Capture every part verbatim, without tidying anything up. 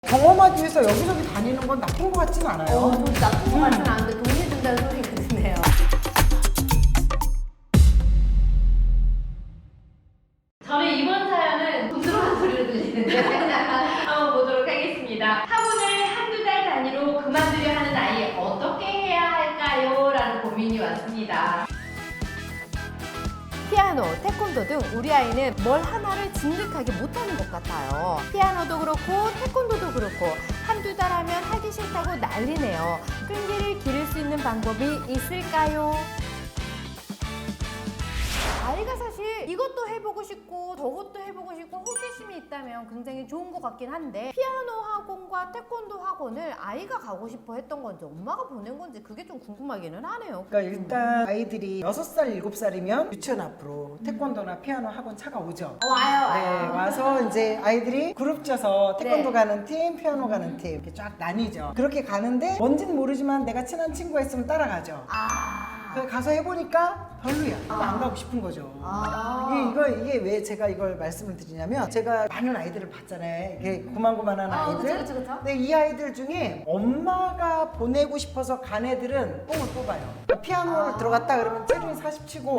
경험하기 위해서 여기저기 다니는 건 나쁜 것 같진 않아요. 어, 좀 나쁜 것 같진 않은데 돈이 든다는 소리가 드네요. 저는 이번 사연은 돈 들어간 소리를 들리는데 한번 보도록 하겠습니다. 학원을 한두 달 단위로 그만두려 하는 아이 어떻게 해야 할까요? 라는 고민이 왔습니다. 피아노, 태권도 등 우리 아이는 뭘 하나를 진득하게 못하는 것 같아요. 피아노도 그렇고 태권도도 그렇고 한두 달 하면 하기 싫다고 난리네요. 끈기를 기를 수 있는 방법이 있을까요? 아이가 사실 이것도 해보고 싶고 저것도 해보고 싶고 호기심이 있다면 굉장히 좋은 것 같긴 한데 피아노 학원과 태권도 학원을 아이가 가고 싶어 했던 건지 엄마가 보낸 건지 그게 좀 궁금하기는 하네요. 그러니까 일단 아이들이 여섯 살, 일곱 살이면 유치원 앞으로 태권도나 피아노 학원 차가 오죠. 어, 와요 네, 와요. 와서 이제 아이들이 그룹 쪄서 태권도 네. 가는 팀, 피아노 가는 팀 이렇게 쫙 나뉘죠. 그렇게 가는데 뭔지는 모르지만 내가 친한 친구가 있으면 따라가죠. 아. 그래서 가서 해보니까 별로야. 안 가고 싶은 거죠. 아. 이게, 이거, 이게 왜 제가 이걸 말씀을 드리냐면 제가 많은 아이들을 봤잖아요. 이게 고만고만한 아, 아이들. 그쵸, 그쵸, 그쵸. 근데 이 아이들 중에 엄마가 보내고 싶어서 간 애들은 뽕을 뽑아요. 그러니까 피아노를 아. 들어갔다 그러면 체중이 사십 치고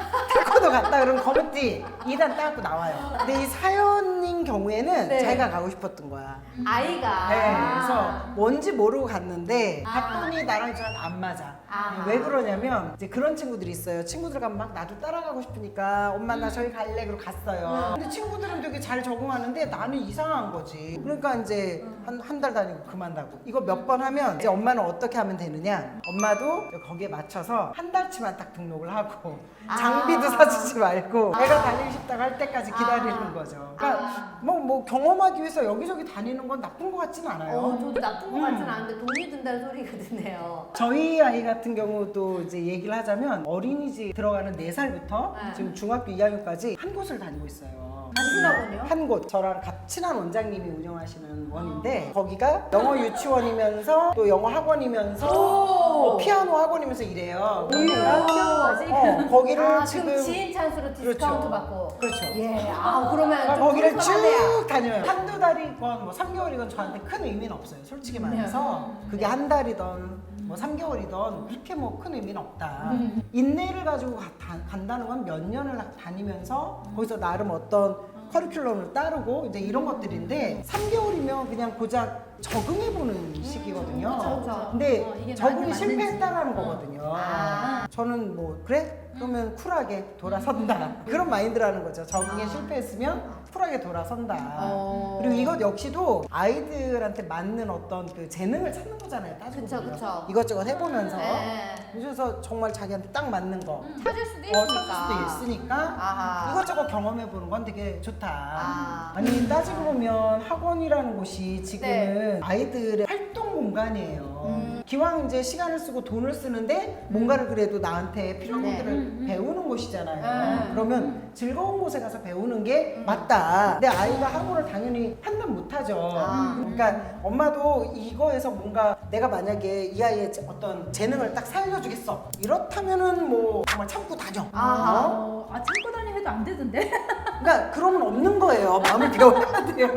태권도 갔다 그러면 검은띠 이 단 따고 나와요. 근데 이 사연인 경우에는 네. 자기가 가고 싶었던 거야. 아이가. 네, 그래서 뭔지 모르고 갔는데 아. 갔더니 나랑 저랑 안 맞아. 아. 왜 그러냐면 이제 그런 친구들이 있어요. 친구들 가면 막 나도 따라가고 싶으니까 엄마 나 저기 갈래 그러고 갔어요. 근데 친구들은 되게 잘 적응하는데 나는 이상한 거지. 그러니까 이제 한 한 달 다니고 그만다고. 이거 몇 번 하면 이제 엄마는 어떻게 하면 되느냐? 엄마도 거기에 맞춰서 한 달치만 딱 등록을 하고 아. 장비도 사주지 말고 애가 다니고 싶다고 할 때까지 기다리는 아. 거죠. 그러니까 뭐, 뭐 경험하기 위해서 여기저기 다니는 건 나쁜 것 같진 않아요. 어, 저도 나쁜 것 음. 같진 않은데 돈이 든다는 소리가 드네요. 저희 아이 같은 경우도 이제 얘기를 하자면 어린이집 들어가는 네 살부터 네. 지금 중학교 이 학년까지 한 곳을 다니고 있어요. 무슨 학원이요? 한 곳. 저랑 같- 친한 원장님이 운영하시는 원인데 거기가 영어 유치원이면서 또 영어 학원이면서 어, 피아노 학원이면서 이래요. 그러니까 피아노까지? 어, 거기를 아, 지금 지금 지인 찬스로 디스카운트 그렇죠. 받고. 그렇죠. 예, 아 그러면 그러니까 좀 거기를 불편하네요. 쭉 다녀요. 한두 달이건 뭐 삼 개월이건 저한테 큰 의미는 없어요. 솔직히 말해서 네. 그게 한 달이던 뭐 삼 개월이던 그렇게 뭐 큰 의미는 없다. 음. 인내를 가지고 가- 다- 간다는 건 몇 년을 다니면서 거기서 나름 어떤 커리큘럼을 따르고 이제 이런 것들인데 삼 개월이면 그냥 고작 적응해보는 시기거든요. 음, 그쵸, 그쵸. 근데 어, 이게 적응이 나한테 실패했다라는 맞는지. 거거든요. 아. 저는 뭐 그래? 그러면 쿨하게 돌아선다. 그런 마인드라는 거죠. 적응에 아. 실패했으면 쿨하게 돌아선다. 어. 그리고 이것 역시도 아이들한테 맞는 어떤 그 재능을 찾는 거잖아요. 따지고 그쵸, 보면. 그쵸. 이것저것 해보면서. 네. 그래서 정말 자기한테 딱 맞는 거. 찾을 수도 어, 있으니까. 찾을 수도 있으니까 아하. 이것저것 경험해보는 건 되게 좋다. 아. 아니 따지고 보면 학원이라는 곳이 지금은 네. 아이들의 활동 공간이에요. 음. 기왕 이제 시간을 쓰고 돈을 쓰는데 뭔가를 그래도 나한테 필요한 네. 것들을 음, 음. 배우는 곳이잖아요. 네. 그러면 즐거운 곳에 가서 배우는 게 맞다. 근데 아이가 학원을 당연히 판단 못하죠. 아. 그러니까 엄마도 이거에서 뭔가 내가 만약에 이 아이의 어떤 재능을 딱 살려주겠어. 이렇다면은 뭐 정말 참고 다녀. 아하. 어? 어, 아 참고 다니 해도 안 되던데. 그러니까 그러면 없는 거예요. 마음을 배워야 돼요.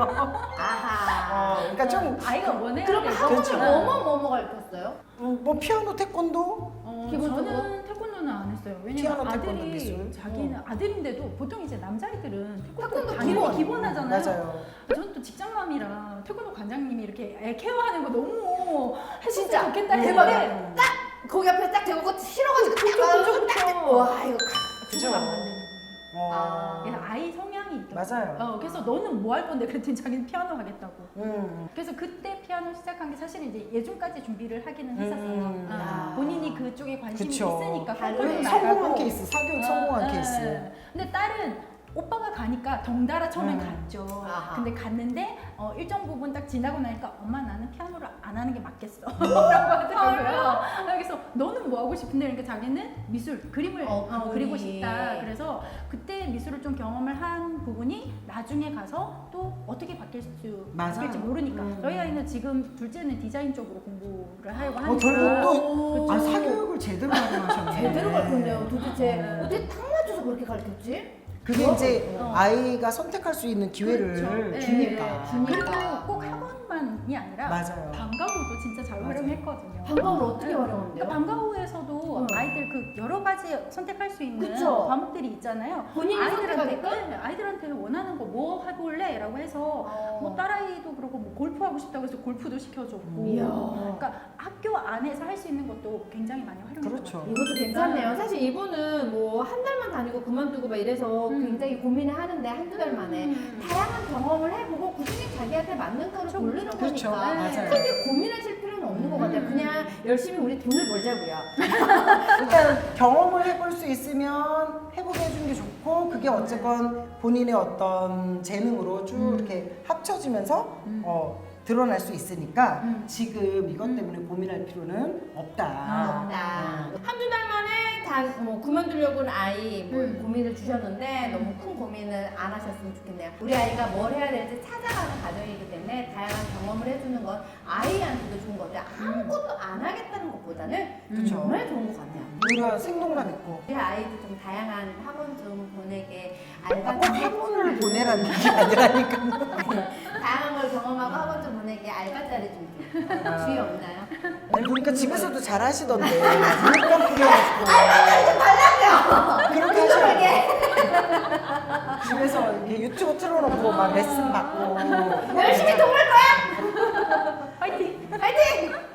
아하. 어, 그러니까 좀 아이가 원해야 그럼 되고. 학원을 그렇죠. 뭐뭐 뭐뭐 가르쳤어요? 음, 뭐 피아노, 태권도 어, 기본적으로? 저는 태권도는 안 했어요. 피아노, 왜냐면 태권도, 아들이 미술. 자기는 아들인데도 보통 이제 남자애들은 태권도 태권도 당연히 기본. 기본. 하잖아요. 맞아요. 저는 또 직장맘이라 태권도 관장님이 이렇게 애 케어하는 거 너무 했으면 진짜 좋겠다 대박이야. 했는데 딱 거기 앞에 딱 대고 그거 싫어가지고 딱 그쵸, 가가지고 그쵸, 딱. 그쵸. 와 이거. 그죠? 그건 안 되는 거예요. 어. 그래서 아이 성향이 있더라고요. 맞아요. 어, 그래서 너는 뭐 할 건데 그랬더니 자기는 피아노 하겠다고. 음. 그래서 그때 피아노 시작한 게 사실은 이제 예중까지 준비를 하기는 했었어요. 음. 아, 야. 본인이 그쪽에 관심이 그쵸. 있으니까 다른 콩쿠르 음, 나가고. 성공한 케이스, 사교육 성공한 어, 케이스. 예. 근데 딸은 오빠가 가니까 덩달아 처음엔 음. 갔죠. 아하. 근데 갔는데 어, 일정 부분 딱 지나고 나니까 엄마 나는 피아노를 안 하는 게 맞겠어. 음. 라고 하더라고요. 그래서 너는 뭐 하고 싶은데 그러니까 자기는 미술, 그림을 어, 어, 그리고 그림이. 싶다. 그래서 그때 미술을 좀 경험을 한 부분이 나중에 가서 또 어떻게 바뀔 수 맞아요. 바뀔지 모르니까. 음. 저희 아이는 지금 둘째는 디자인 쪽으로 공부를 하려고 하니까. 어, 결국 또, 그쵸. 아, 사교육을 제대로 활용하셨네. 제대로 가르쳤네요. 도대체 네. 어떻게 딱 맞춰서 그렇게 가르쳤지? 그게 이제 어. 아이가 선택할 수 있는 기회를 그렇죠. 예, 주니까. 예, 주니까. 그리고 꼭 학원만 학원만이 아니라 맞아요. 방과후도 진짜 잘 맞아요. 활용했거든요. 방법을 어떻게 네. 활용하는데요? 그러니까 방과후에서도 응. 아이들 그 여러 가지 선택할 수 있는 그쵸. 과목들이 있잖아요. 본인이 아이들한테 선택하게끔? 네, 아이들한테 원하는 거 뭐 해볼래?라고 해서 어. 뭐 딸아이도 그러고 뭐 골프 하고 싶다고 해서 골프도 시켜줬고. 이야. 그러니까 학교 안에서 할 수 있는 것도 굉장히 많이 활용했던 그렇죠. 것 같아요. 이것도 괜찮네요. 사실 이분은 뭐 한 달만 다니고 그만두고 막 이래서 음. 굉장히 고민을 하는데 한두 달 만에 음. 다양한 경험을 해보고 꾸준히 자기한테 맞는 거를 그렇죠. 고르는 그렇죠. 거니까 맞아요. 크게 고민하실 필요는 없는 것 같아요. 음. 그냥 열심히 우리 돈을 벌자고요. 일단 경험을 해볼 수 있으면 해보게 해주는 게 좋고 그게 어쨌건 본인의 어떤 재능으로 쭉 음. 이렇게 합쳐지면서 음. 어, 드러날 수 있으니까 음. 지금 이것 때문에 고민할 필요는 없다. 없다. 한두 달 만에 다 뭐 그만두려고 하는 아이 뭐 음. 고민을 주셨는데 너무 큰 고민을 안 하셨으면 좋겠네요. 우리 아이가 뭘 해야 될지 찾아가는 과정이기 때문에 다양한 경험을 해주는 건 아이한테도 좋은 것 같아요. 아무것도 안 하겠다는 것보다는 그쵸. 정말 좋은 것 같네요. 우리가 생동감 있고 우리 아이도 좀 다양한 학원 좀 보내게 꼭 알바 좀 학원을 보내라는 게 아니라니까. 다양한 걸 경험하고 학원 좀 보내게 알바자리 좀 줘. 주의 없나요? 아니 보니까 집에서도 잘 하시던데 물감 뿌려가지고 그렇게 하시라고 집에서 이렇게 유튜브 틀어놓고 막 레슨 받고 열심히 도울 거야! 화이팅! 파이팅!